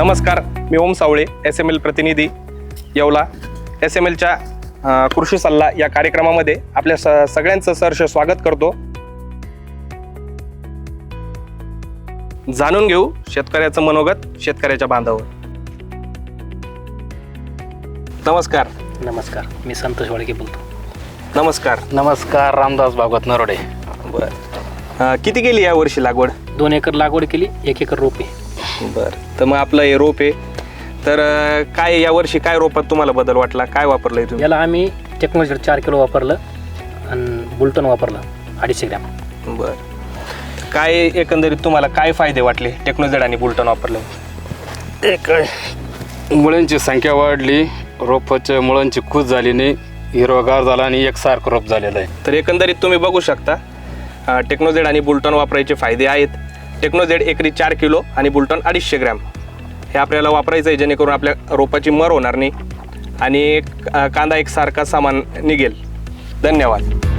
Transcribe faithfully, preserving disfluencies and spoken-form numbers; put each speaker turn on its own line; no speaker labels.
नमस्कार, मी Om Savale, S M L प्रतिनिधी येवला. एस एम एलच्या कृषी सल्ला या कार्यक्रमामध्ये आपल्या स सगळ्यांचं सहर्ष स्वागत करतो. जाणून घेऊ शेतकऱ्याचं मनोगत शेतकऱ्याच्या बांधावर. नमस्कार.
नमस्कार, मी संतोष वाळके बोलतो.
नमस्कार.
नमस्कार, रामदास भागवत नरोडे.
बरं, किती केली या वर्षी लागवड?
दोन एकर लागवड केली, एक एकर रोपे.
बरं, तर मग आपलं हे रोप आहे, तर काय या वर्षी काय रोपात तुम्हाला बदल वाटला? काय वापरलंय तुम्ही?
याला आम्ही टेक्नॉलॉजी चार किलो वापरलं आणि बुलटन वापरलं अडीचशे ग्रॅम.
बरं, काय एकंदरीत तुम्हाला काय फायदे वाटले टेक्नोजेड आणि बुलटन वापरले?
एक मुळांची संख्या वाढली, रोपाच्या मुळांची कूच झाली नाही, हिरवागार झाला आणि एकसारखं रोप झालेलं आहे.
तर एकंदरीत तुम्ही बघू शकता टेक्नोजेड आणि बुलटन वापरायचे फायदे आहेत. टेक्नोजेड एकरी चार किलो आणि बुलटन अडीचशे ग्रॅम हे आपल्याला वापरायचं आहे, जेणेकरून आपल्या रोपाची मर होणार नाही आणि कांदा एकसारखा सामान निघेल. धन्यवाद.